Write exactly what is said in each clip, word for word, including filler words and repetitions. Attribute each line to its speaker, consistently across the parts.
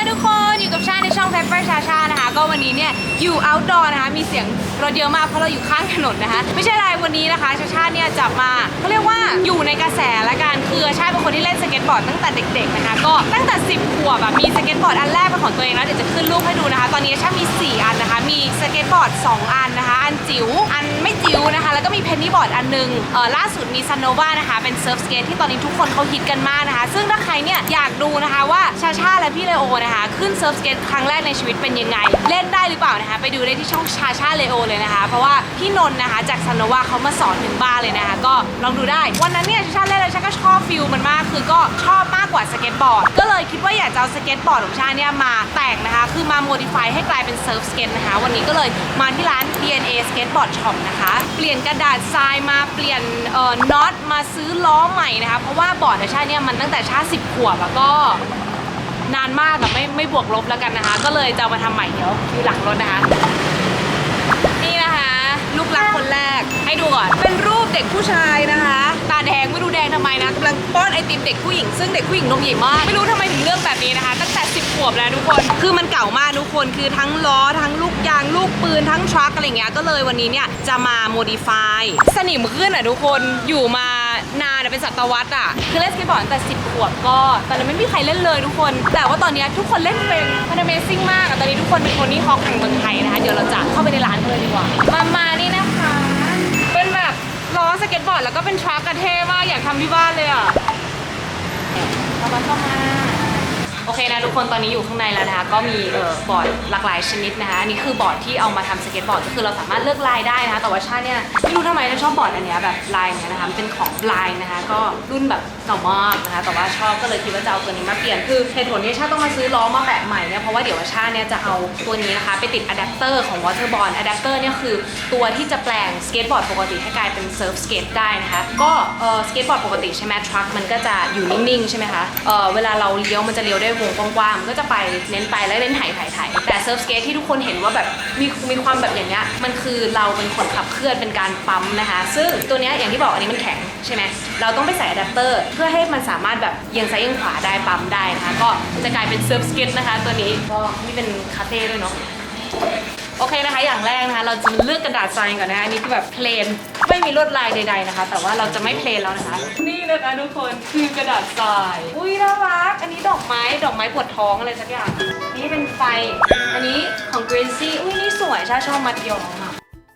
Speaker 1: ทุกคนอยู่กับชาในช่อง Pepper ชาชานะคะก็วันนี้เนี่ยอยู่ outdoor นะคะมีเสียงรถเยอะมากเพราะเราอยู่ข้างถนนนะคะไม่ใช่อะไรวันนี้นะคะชาชาเนี่ยจะมาเขาเรียกว่าอยู่ในกระแสละกันคือชาเป็นคนที่เล่นสเก็ตบอร์ดตั้งแต่เด็กๆนะคะก็ตั้งแต่สิบขวบแบบมีสเก็ตบอร์ดอันแรกเป็นของตัวเองแล้วเดี๋ยวจะขึ้นรูปให้ดูนะคะตอนนี้ชามีสี่อันนะคะมีสเก็ตบอร์ดสองอันนะคะอันจิ๋วอันไม่จิ๋วนะคะแล้วก็มีเพนนีบอร์ดอันนึงเอ่อล่าสุดมีซันโนวานะคะเป็นเซิร์ฟสเก็ตที่ตอนนี้ทุกคนเขาฮิตกันมากนะคะซึ่งถ้าใครเนี่ยอยากดูนะคะว่าชาชาและพี่เลโอนะคะขึ้นเซิร์ฟสเก็ตครั้งแรกในชีวิตเป็นยังไงเล่นได้หรือเปล่านะคะไปดูได้ที่ช่องชาชาเลโอเลยนะคะเพราะว่าพี่นนท์นะคะจากซันโนวาเขามาสอนถึงบ้านเลยนะคะก็ลองดูได้วันนั้นเนี่ยชาชาเล่นแล้วชาก็ชอบฟิลมันมากคือก็ชอบมากกว่าสเก็ตบอร์ดก็เลยคิดว่าอยากจะเอาสเก็ตบอร์ดของชาเนี่ยมาแต่งนะคะคือมาโมดิฟายให้กลายเป็นเซิร์ฟสเก็ตนะคะวันนี้ก็เลยมาที่ร้าน ดี เอ็น เอ Skateboard Shop นะคะเปลี่ยนกระดาษทรายมาเปลี่ยนเอ่อน็อตมาซื้อล้อใหม่นะคะเพราะว่าบอร์ดของชาเนี่ยมันตั้งแต่ชาสิบขวบแล้วก็นานมากแต่ไม่ไม่บวกลบแล้วกันนะคะก็เลยจะเอามาทำใหม่เดี๋ยวอยู่หลังรถนะคะนี่นะคะลูกรักคนแรกให้ดูก่อนเป็นรูปเด็กผู้ชายนะคะตาแดงไม่รู้แดงทำไมนะกำลังป้อนไอติมเด็กผู้หญิงซึ่งเด็กผู้หญิงนมใหญ่มากไม่รู้ทำไมถึงเลือกแบบนี้นะคะตั้งแต่สิบขวบแล้วทุกคนคือมันเก่ามากทุกคนคือทั้งล้อทั้งลูกยางลูกปืนทั้งทรัคอะไรเงี้ยก็เลยวันนี้เนี่ยจะมาโมดิฟายสนิมขึ้นอ่ะทุกคนอยู่มานานเป็นศตวรรษอ่ะคือเล่นสเก็ตบอร์ดตั้งแต่สิบขวบก็ตอนนั้นไม่มีใครเล่นเลยทุกคนแต่ว่าตอนนี้ทุกคนเล่นเป็นมัน Amazing มากอ่ะตอนนี้ทุกคนเป็นโทนี่ฮอคแห่งเมืองไทยนะคะเดี๋ยวเราจะเข้าไปในร้านกันเลยดีกว่ามามานี่นะคะเป็นแบบล้อสเก็ตบอร์ดแล้วก็เป็นทรัคกระเท่มากอยากทำที่บ้านเลยอ่ะเข้ามาเข้ามาโอเคนะทุกคนตอนนี้อยู่ข้างในแล้วนะคะก็มีเอ่อบอร์ดหลากหลายชนิดนะคะอันนี้คือบอร์ดที่เอามาทำสเก็ตบอร์ดก็คือเราสามารถเลือกลายได้นะคะแต่ว่าชาเนี่ยไม่รู้ทำไมฉันชอบบอร์ดอันเนี้ยแบบลายเนี้ยนะคะเป็นของลายนะคะก็รุ่นแบบเก่ามากนะคะแต่ว่าชอบก็เลยคิดว่าจะเอาตัวนี้มาเปลี่ยนคือเหตุผลที่ชาต้องมาซื้อล้อมาแบบใหม่เนี่ยเพราะว่าเดี๋ยวชาเนี่ยจะเอาตัวนี้นะคะไปติดอะแดปเตอร์ของวอเตอร์บอร์ดอะแดปเตอร์เนี่ยคือตัวที่จะแปลงสเก็ตบอร์ดปกติให้กลายเป็นเซิร์ฟสเก็ตได้นะคะก็เอ่อสเก็ตบอร์ดปกติใช่ไหมทรัคมันก็จะอยู่นิ่งๆใช่ไหมคะเอ่อเวลาเราเลี้ยวมันจะเลี้ยวได้วงกว้างๆก็จะไปเน้นไปแล้วเน้นถ่ายถ่ายถ่ายแต่เซิร์ฟสเก็ตที่ทุกคนเห็นว่าแบบมีมีความแบบอย่างเงี้ยมันคือเราเป็นคนขับเคลื่อนเป็นการปั๊มนะคะซึ่งตัวเนี้ยอย่างที่บอกอันนี้มันแข็งใช่ไหมเราต้องไปใส่อะแดปเตอร์เพื่อให้มันสามารถแบบเอียงซ้ายเอียงขวาได้ปั๊มได้นะคะก็จะกลายเป็นเซิร์ฟสเก็ตนะคะตัวนี้ก็นี่เป็นคาเต้ด้วยเนาะโอเคนะคะอย่างแรกนะคะเราจะเลือกกระดาษทรายก่อนนะคะอันนี้คือแบบเพลนไม่มีลวดลายใดๆนะคะแต่ว่าเราจะไม่เพลนแล้วนะคะนี่นะคะทุกคนคือกระดาษทรายอุ้ยน่ารักอันนี้ดอกไม้ดอกไม้ปวดท้องอะไรสักอย่างนี่เป็นไฟอันนี้ของ Gracie อุ้ยนี่สวยชาชอบมัดย้อมอ่ะ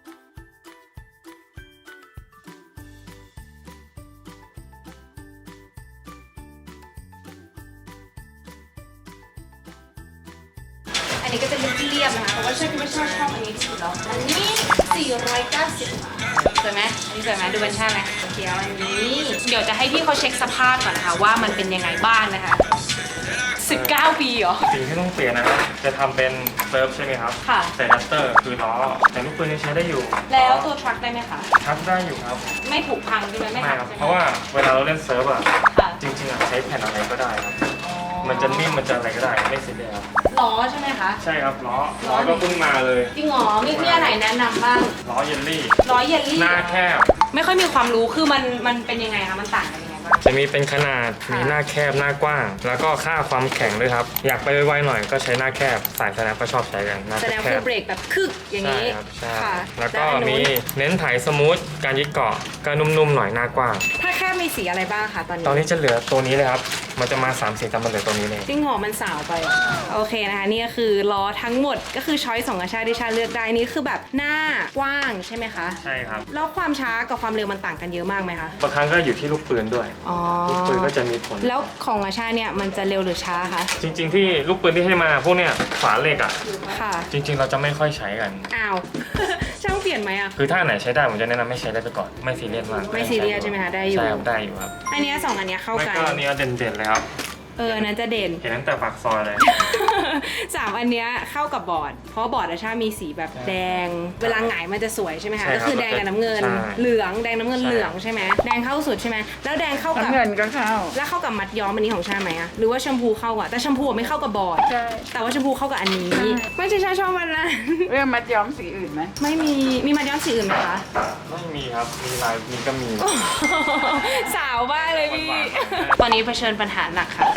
Speaker 1: อันนี้ก็จะเรียบๆนะคะแต่ว่าชาคิดว่าชาชอบอันนี้สุดแล้วอันนี้สี่ร้อยเก้าสิบบาทสวยไหมอันนี้สวยไหมดูเป็นชาไหมเขียวอันนี้เดี๋ยวจะให้พี่เขาเช็คสภาพก่อนนะคะว่ามันเป็นยังไงบ้างนะคะสิบเก้าปีเหรอ
Speaker 2: สิ่งที่ต้องเปลี่ยนนะครับจะทำเป็นเซิร์ฟใช่ไหมครับ
Speaker 1: ค่ะ
Speaker 2: ใส่ดัสเตอร์คือล้อแต่ลูกปืนยังใช้ได้อยู่
Speaker 1: แล้วตัวทรัคได้ไหมคะ
Speaker 2: ทรัคได้อยู่ครับ
Speaker 1: ไม่ถูกพังใช่ไหมไม่หัก
Speaker 2: ครับ
Speaker 1: ใช่ไหม
Speaker 2: เพราะว่าเวลาเราเล่นเซิร์ฟอะจริงๆอะใช้แผ่นอะไรก็ได้ครับมันจะนิ่มมันจะอะไรก็ได้ไม่เสียดาย
Speaker 1: ล้อใช่ไหมคะ
Speaker 2: ใช่ครับล้อล้อก็เพิ่งมาเลย
Speaker 1: จริงเหรอมีมีอะไรแนะนำบ้าง
Speaker 2: ล้อเยลลี่
Speaker 1: ล้อเยลลี่
Speaker 2: หน้าแคบ
Speaker 1: ไม่ค่อยมีความรู้คือมันมันเป็นยังไงคะมันต่างกันยังไงบ้าง
Speaker 2: จะมีเป็นขนาดมีหน้าแคบหน้ากว้างแล้วก็ค่าความแข็งด้วยครับอยากไปไวๆหน่อยก็ใช้หน้าแคบสายสแนปก็ชอบใช้กันหน้าแคบ
Speaker 1: แสดงคือเบรกแบบคึกอย่างนี้
Speaker 2: ใช่ครับใช่
Speaker 1: ค่ะ
Speaker 2: แล้วก็มีเน้นถ่ายสมูทการยึดเกาะก็นุ่มๆหน่อยหน้ากว้าง
Speaker 1: ถ้าแค่มีสีอะไรบ้างคะตอนนี้
Speaker 2: ตอนนี้จะเหลือตัวนี้เลยครับมันจะมาสามสีแต่มันเหลือตัวนี้เลย
Speaker 1: จริงเหรอมันสาวไปโอเคนะคะนี่ก็คือล้อทั้งหมดก็คือช้อยสองอาชาที่ชาเลือกได้นี่คือแบบหน้ากว้างใช่ไหมคะ
Speaker 2: ใช่ครับ
Speaker 1: แล้วความช้ากับความเร็วมันต่างกันเยอะมากไหมคะ
Speaker 2: บางครั้งก็อยู่ที่ลูกปืนด้วยลูกปืนก็จะมีผล
Speaker 1: แล้วของอาชาเนี่ยมันจะเร็วหรือช้าคะ
Speaker 2: จริงๆที่ลูกปืนที่ให้มาพวกเนี้ยฝาเหล็กอ่ะ
Speaker 1: ค่ะ
Speaker 2: จริงๆเราจะไม่ค่อยใช้กัน
Speaker 1: อ้าวช่างเปลี่ยนไหมอ่ะ
Speaker 2: คือถ้าไหนใช้ได้ผมจะแนะนำไม่ใช้ได้ไปก่อนไม่ซีเรียสมาก
Speaker 1: ไม่ซีเรียสใช่ไหมคะได้อยู่
Speaker 2: ใช่ได้อยู่ครับ
Speaker 1: อันนี้สองอันนี้เข้ากัน
Speaker 2: ก็อันนี้เด่นๆเลยครับ
Speaker 1: เออนั้นจะเด่น
Speaker 2: เห็นตั้งแต่ปากซอยเลย
Speaker 1: สามอันเนี้ยเข้ากับบอร์ดเพราะบอร์ดอาชามีสีแบบแดงเวลาหงายมันจะสวยใช่ไหมคะก็คือแดงกับน้ำเงินเหลืองแดงน้ำเงินเหลืองใช่ไหมแดงเข้าสุดใช่ไหมแล้วแดงเข้ากับ
Speaker 3: น้ำเงินก็เข้า
Speaker 1: แล้วเข้ากับมัดย้อมอันนี้ของชาไหมอะหรือว่าแชมพูเข้าอะแต่แชมพูไม่เข้ากับบอร์ด
Speaker 3: ใช่
Speaker 1: แต่ว่าแชมพูเข้ากับอันนี้ไม่ใช่ชาชอบมันนะ
Speaker 3: เรื่องมัดย้อมสีอื่นไหม
Speaker 1: ไม่มีมีมัดย้อมสีอื่นไหมคะ
Speaker 2: ไม่มีครับมีลายมีก็มี
Speaker 1: สาวบ้าเลยพี่ตอนนี้เผชิญปัญหาหนักค่ะคือ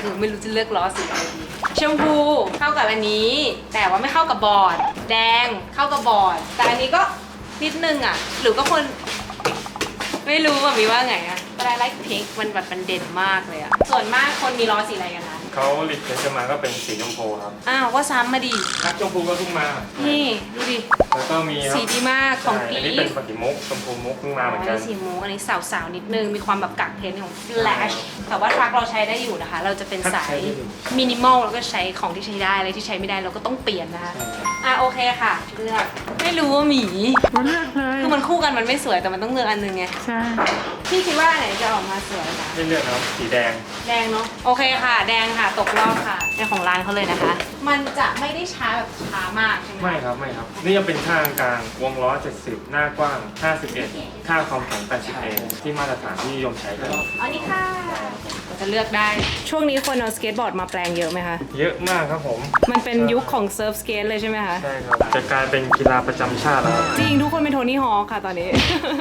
Speaker 1: คือไม่รู้จะเลือกล้อสีอะไรดีชมพูเข้ากับอันนี้ แต่ว่าไม่เข้ากับบอร์ดแดงเข้ากับบอร์ดแต่อันนี้ก็นิดนึงอ่ะหรือก็คนไม่รู้ว่ามีว่าไงอะแต่ไลท์พิงค์มันแบบมันเด่นมากเลยอะส่วนมากคนมีล้อสีอะไรกันนะ
Speaker 2: เขาลิดเนมาก็เป็นสีชมพูครับ
Speaker 1: อ้าวก็ซ้ำมาดิ
Speaker 2: นักชมพูก็เพิ่งมา
Speaker 1: นี่ดูดิ
Speaker 2: แล้วก็มีครับ
Speaker 1: สีดีมากของ
Speaker 2: ใช่
Speaker 1: กี
Speaker 2: อันนี้เป็นสีมุกชมพูมุกเพิ่งมาเหมือน
Speaker 1: อัน
Speaker 2: กัน
Speaker 1: นี้สีมูอันนี้สาวๆนิดนึงมีความแบบกักเทนของ Flash แต่ว่าทรัคเราใช้ได้อยู่นะคะ เราจะเป็นสายมินิมอลแล้วก็ใช้ของที่ใช้ได้อะไรที่ใช้ไม่ได้เราก็ต้องเปลี่ยนนะคะอ่ะโอเคค่ะเลือกไม่รู้ว่าหมี
Speaker 3: ก็เลือกเลย
Speaker 1: คือมันคู่กันมันไม่สวยแต่มันต้องเลือกอันนึงไง
Speaker 3: ใช่
Speaker 1: พี่คิดว่าอันไหนจะออกมาสวยคะ
Speaker 2: ไม่เลือกนะครับสีแดง
Speaker 1: แดงเนาะโอเคค่ะ แดงค่ะตกรอบค่ะในของร้านเขาเลยนะคะ มันจะไม่ได้ช้าแบบช้ามากใช่ไหม
Speaker 2: ไม่ครับไม่ครับ นี่จะเป็นข้างกลางวงล้อ เจ็ดสิบ หน้ากว้าง ห้าสิบเอ็ด ค่าความแข็ง แปดสิบเอ ที่มาตรฐานที่นิยมใช้กัน
Speaker 1: อันนี้ค่ะจะเลือกได้ช่วงนี้คนเอาสเก็ตบอร์ดมาแปลงเยอะไหมคะ
Speaker 2: เยอะมากครับผม
Speaker 1: มันเป็นยุคของเซิร์ฟสเกตเลยใช่ไหมคะ
Speaker 2: ใช่ครับ จะกลายเป็นกีฬาประจำชาติแล้ว
Speaker 1: จริงทุกคนเป็นโทนี่ฮอคค่ะตอนนี้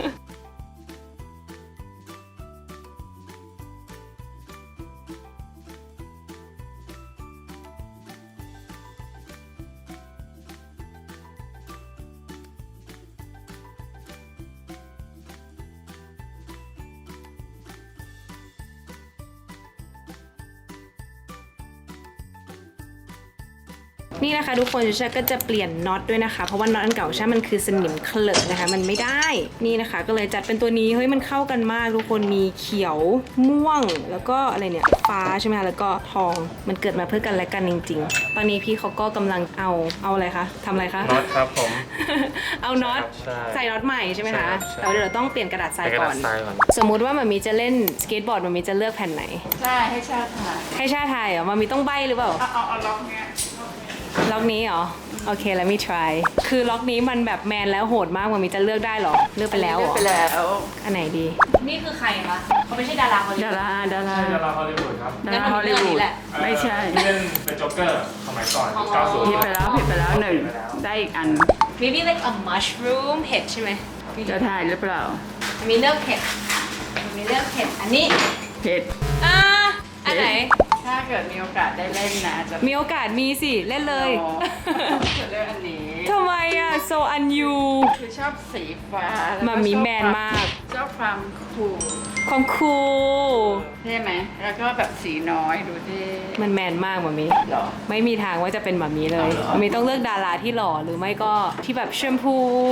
Speaker 1: นี่นะคะทุกคนชาก็จะเปลี่ยนน็อตด้วยนะคะเพราะว่าน็อตอันเก่าชามันคือสนิมเคลอะนะคะมันไม่ได้นี่นะคะก็เลยจัดเป็นตัวนี้เฮ้ยมันเข้ากันมากทุกคนมีเขียวม่วงแล้วก็อะไรเนี่ยฟ้าใช่ไหมคะแล้วก็ทองมันเกิดมาเพื่อกันและกันจริงๆตอนนี้พี่เขาก็กำลังเอาเอาอะไรคะทำอะไรคะ
Speaker 2: น็อตครับผม
Speaker 1: เอาน็อต
Speaker 2: ใช่
Speaker 1: ใส่น็อตใหม่ใช่ไหม
Speaker 2: ใช่
Speaker 1: คะ
Speaker 2: ครับใช่
Speaker 1: แต่ว่าเดี๋ยวเราต้องเปลี่ยนกระดาษทราย
Speaker 2: ใส่กระ
Speaker 1: ก่
Speaker 2: ดา
Speaker 1: อ
Speaker 2: ษ
Speaker 1: น
Speaker 2: ทรายก่อน
Speaker 1: สมมุติว่ามันมีจะเล่นสเก็ตบอร์ดมันมีจะเลือกแผ่นไหน
Speaker 3: ใช่ให้ชาติถ่าย
Speaker 1: ให้ชาติไทยเหรอมันมีต้องใบหรือเปล่า
Speaker 3: เอาเอาเอาล็อกเนี้ย
Speaker 1: ล็อกนี้เหรอ โอเค let me try คือล็อกนี้มันแบบแมนแล้วโหดมากมันมีจะเลือกได้เหรอ เลือกไปแล้วเหรอ
Speaker 3: ไปแล้ว
Speaker 1: อันไหนดี นี่คือใครคะเขาไม่ใช่ดาราฮอลลี
Speaker 3: ดา
Speaker 1: วูด
Speaker 3: ราดารา
Speaker 2: ใช่ดาราฮอลลีวูดครับ
Speaker 3: ดาราฮอลลีวูดไม่ใช่
Speaker 2: ที่เล่นเป็นโจ๊กเกอร์สมัยก่อน
Speaker 1: อ๋อ
Speaker 2: เก้าสิบ
Speaker 3: ผิดไปแล้วผิดไปแล้วหนึ่งได้อีกอัน
Speaker 1: maybe like a mushroom เห็ดใช่ไหม
Speaker 3: จะถ่ายหรือเปล่า
Speaker 1: มีเลือกเห็ดมีเลือกเห็ดอันนี้
Speaker 3: เผ็ด
Speaker 1: อ่าอันไหน
Speaker 3: ถ้าเกิดมีโอกาสได้เล่นนะจะ
Speaker 1: มีโอกาสมีสิเล่นเลย
Speaker 3: อ๋อจะเลือกอันนี้
Speaker 1: ทำไมอ่ะ so unyu
Speaker 3: คือชอบสีฟ้าแล้วก็
Speaker 1: มันมีแมนมาก
Speaker 3: ชอบความคูล
Speaker 1: ความคูล
Speaker 3: ใช่ไหมแล้วก็แบบสีน้อยดูดิ
Speaker 1: มันแมนมากมามี
Speaker 3: หรอ
Speaker 1: ไม่มีทางว่าจะเป็นแบบนี้เลย
Speaker 3: เอาเหรอ
Speaker 1: มามีต้องเลือกดาราที่หล่อหรือไม่ก็ที่แบบแชมพู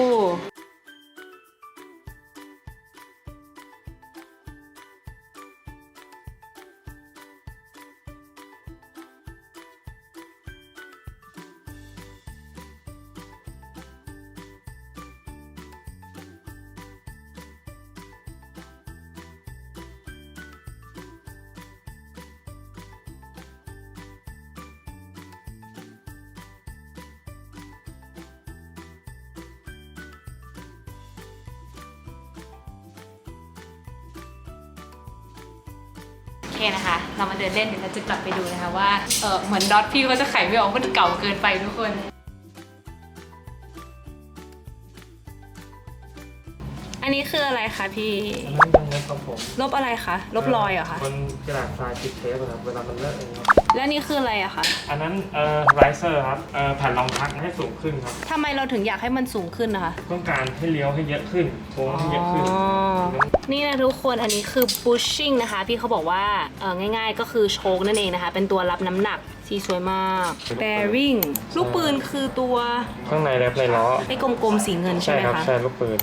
Speaker 1: โอเคนะคะ เรามาเดินเล่นเดี๋ยวเราจะกลับไปดูนะคะว่า เออเหมือนดอทพี่เขาจะไขไม่ออกมันเก่าเกินไปทุกคน อันนี้คืออะไรคะพี่
Speaker 2: อันนั้นยังไงครับผม
Speaker 1: ลบอะไรคะ ลบรอยเหรอคะ
Speaker 2: บนกระดาษทรายติดเทปอะครับเวลามันเลอะเองครับ
Speaker 1: แล้วนี่คืออะไรอะคะ
Speaker 2: อันนั้นเอ่อไรเซอร์ครับเอ่อแผ่นรองพักให้สูงขึ้นครับ
Speaker 1: ทำไมเราถึงอยากให้มันสูงขึ้นนะคะ
Speaker 2: ต้องการให้เลี้ยวให้เยอะขึ้นโค้งให้เยอะขึ้น
Speaker 1: อ๋อ นี่นะทุกคน อันนี้คือ bushing นะคะ พี่เขาบอกว่าเออง่ายๆ ก็คือโชคนั่นเองนะคะ เป็นตัวรับน้ำหนัก สีสวยมาก bearing ลูกปืนคือตัว
Speaker 2: ข้างในแรปในล้อ
Speaker 1: ไอ้กลมๆสีเงินใช่
Speaker 2: ใช่
Speaker 1: ไหม
Speaker 2: ครับ
Speaker 1: คะ
Speaker 2: ใช่ลูกปืน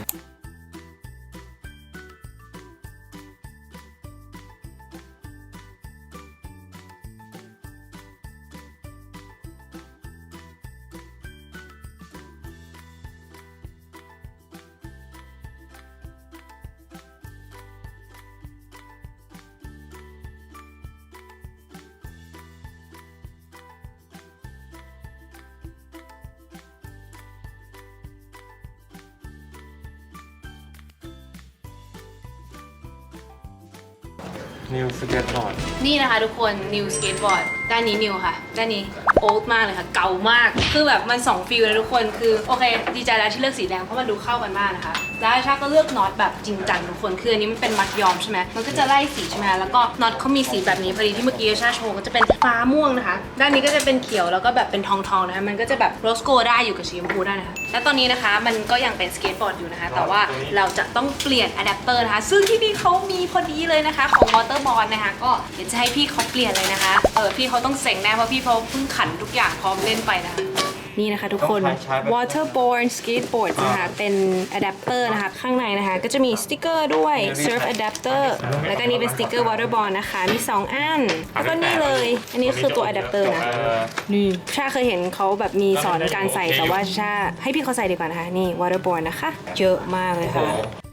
Speaker 2: นิวสเก็ตบอร์ด
Speaker 1: นี่นะคะทุกคน new skateboard ด้านนี้ new ค่ะ ด้านนี้ old มากเลยค่ะ เก่ามาก คือแบบมันสองฟิลเลยทุกคน คือโอเค ดีใจแล้วที่เลือกสีแดงเพราะมันดูเข้ากันมากนะคะแล้วชาก็เลือกน็อตแบบจริงจังทุกคนคืออันนี้มันเป็นมัดย้อมใช่ไหมมันก็จะไล่สีใช่ไหมแล้วก็น็อตเขามีสีแบบนี้พอดีที่เมื่อกี้ชาโชว์ก็จะเป็นฟ้าม่วงนะคะด้านนี้ก็จะเป็นเขียวแล้วก็แบบเป็นทองทองนะคะมันก็จะแบบโรสโกได้อยู่กับสีชมพูได้นะคะและตอนนี้นะคะมันก็ยังเป็นสเก็ตบอร์ดอยู่นะคะแต่ว่าเราจะต้องเปลี่ยนอะแดปเตอร์นะคะซึ่งที่นี่เขามีพอดีเลยนะคะของวอเตอร์บอลนะคะก็เดี๋ยวจะให้พี่เขาเปลี่ยนเลยนะคะเออพี่เขาต้องเซ็งแน่เพราะพี่เขาเพิ่งขันทุกอย่างพร้อมเล่นไปนะคะนี่นะคะทุกคน waterborne skateboard นะคะเป็นอะแดปเตอร์นะคะข้างในนะคะก็จะมีสติกเกอร์ด้วย surf adapter แล้วก็นี่เป็นสติกเกอร์ waterborne นะคะมีสองอันแล้วก็นี่เลยอันนี้คือตัวอะแดปเตอร์นะนี่ชาเคยเห็นเขาแบบมีสอนการใส่แต่ว่าชาให้พี่เขาใส่ดีกว่านะคะนี่ waterborne นะคะเยอะมากเลยค่ะ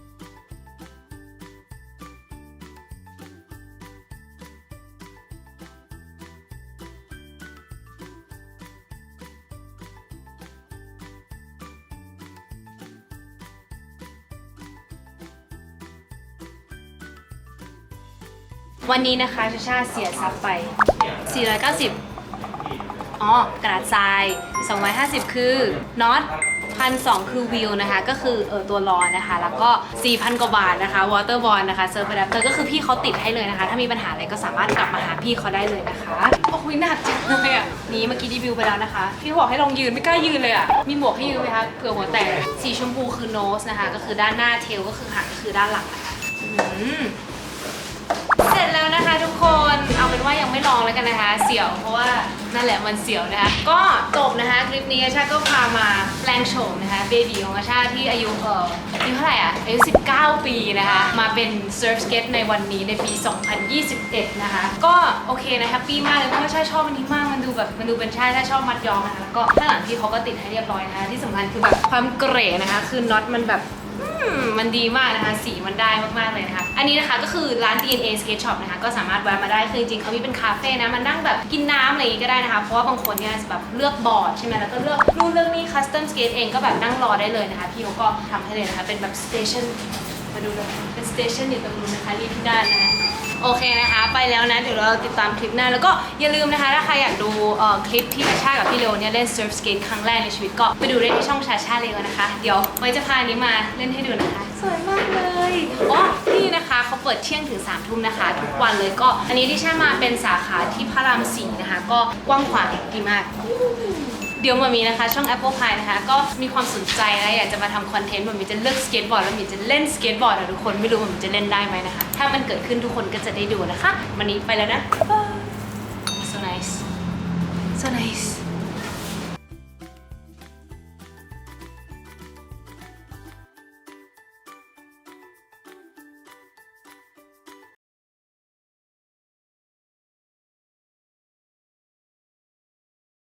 Speaker 1: วันนี้นะคะชาชาเสียทรัพย์ไปสี่ร้อยเก้าสิบอ๋อกระดาษทรายสองร้อยห้าสิบคือน็อตพันสองคือวิวนะคะก็คือเออตัวล้อนะคะแล้วก็ สี่พัน กว่าบาทนะคะวอเตอร์บอลนะคะเซิร์ฟอะแดปเตอร์ก็คือพี่เขาติดให้เลยนะคะถ้ามีปัญหาอะไรก็สามารถกลับมาหาพี่เขาได้เลยนะคะโอ้ยหนักจังเลยอ่ะนี่เมื่อกี้รีวิวไปแล้วนะคะพี่บอกให้ลองยืนไม่กล้ายืนเลยอ่ะมีหมวกให้ยืนไหมคะเผื่อหัวแตกสีชมพูคือโนสนะคะก็คือด้านหน้าเทลก็คือหางก็คือด้านหลังนะคะอืมเสร็จแล้วนะคะทุกคนเอาเป็นว่ายังไม่ลองแล้วกันนะคะเสียวเพราะว่านั่นแหละมันเสียวนะคะก็จบนะคะคลิปนี้อาชาก็พามาแปลงโฉมนะคะเบบีของอาชาที่อายุเอ่ออายุเท่าไหร่อ่ะอายุสิบเก้าปีนะคะมาเป็นเซิร์ฟสเก็ตในวันนี้ในปีสองพันยี่สิบเอ็ดนะคะก็โอเคนะแฮปปี้มากเลยเพราะว่าชาชอบอันนี้มากมันดูแบบมันดูเป็นชาชาชอบมัดย้อมนะคะแล้วก็ข้างหลังพี่เขาก็ติดให้เรียบร้อยนะคะที่สำคัญคือแบบความเก๋นะคะคือน็อตมันแบบมันดีมากนะคะสีมันได้มากๆเลยนะคะอันนี้นะคะก็คือร้าน ดี เอ็น เอ Skate Shop นะคะก็สามารถแวะมาได้คือจริงๆเขามีเป็นคาเฟ่นะมานั่งแบบกินน้ำอะไรอย่างงี้ก็ได้นะคะเพราะว่าบางคนเนี่ยแบบเลือกบอร์ดใช่ไหมแล้วก็เลือกนู่นเลือกนี่คัสตอมสเกตเองก็แบบนั่งรอได้เลยนะคะพี่เขาก็ทำให้เลยนะคะเป็นแบบสเตชันมาดูเลยเป็นสเตชันอยู่ตรงนู้นนะคะรีบที่ด้านนะคะโอเคนะคะไปแล้วนะเดี๋ยวเราติดตามคลิปหน้าแล้วก็อย่าลืมนะคะถ้าใครอยากดูเอ่อคลิปที่ชาชากับพี่เลวเนี่ยเล่นเซิร์ฟสเกตครั้งแรกในชีวิตก็ไปดูได้ที่ช่องชาชาเลวนะคะเดี๋ยวไว้จะพาอันนี้มาเล่นให้ดูนะคะสวยมากเลยอ๋อนี่นะคะเขาเปิดเที่ยงถึงสามทุ่มนะคะทุกวันเลยก็อันนี้ที่ชามาเป็นสาขาที่พระรามสี่นะคะก็กว้างขวางดีมากเดี๋ยวมามีนะคะช่อง Apple Pie นะคะก็มีความสนใจนะอยากจะมาทำคอนเทนต์มันมีจะเลือกสเก็ตบอร์ดแล้วมีจะเล่นสเก็ตบอร์ดนะทุกคนไม่รู้มันจะเล่นได้ไหมนะคะถ้ามันเกิดขึ้นทุกคนก็จะได้ดูนะคะวันนี้ไปแล้วนะ so nice so nice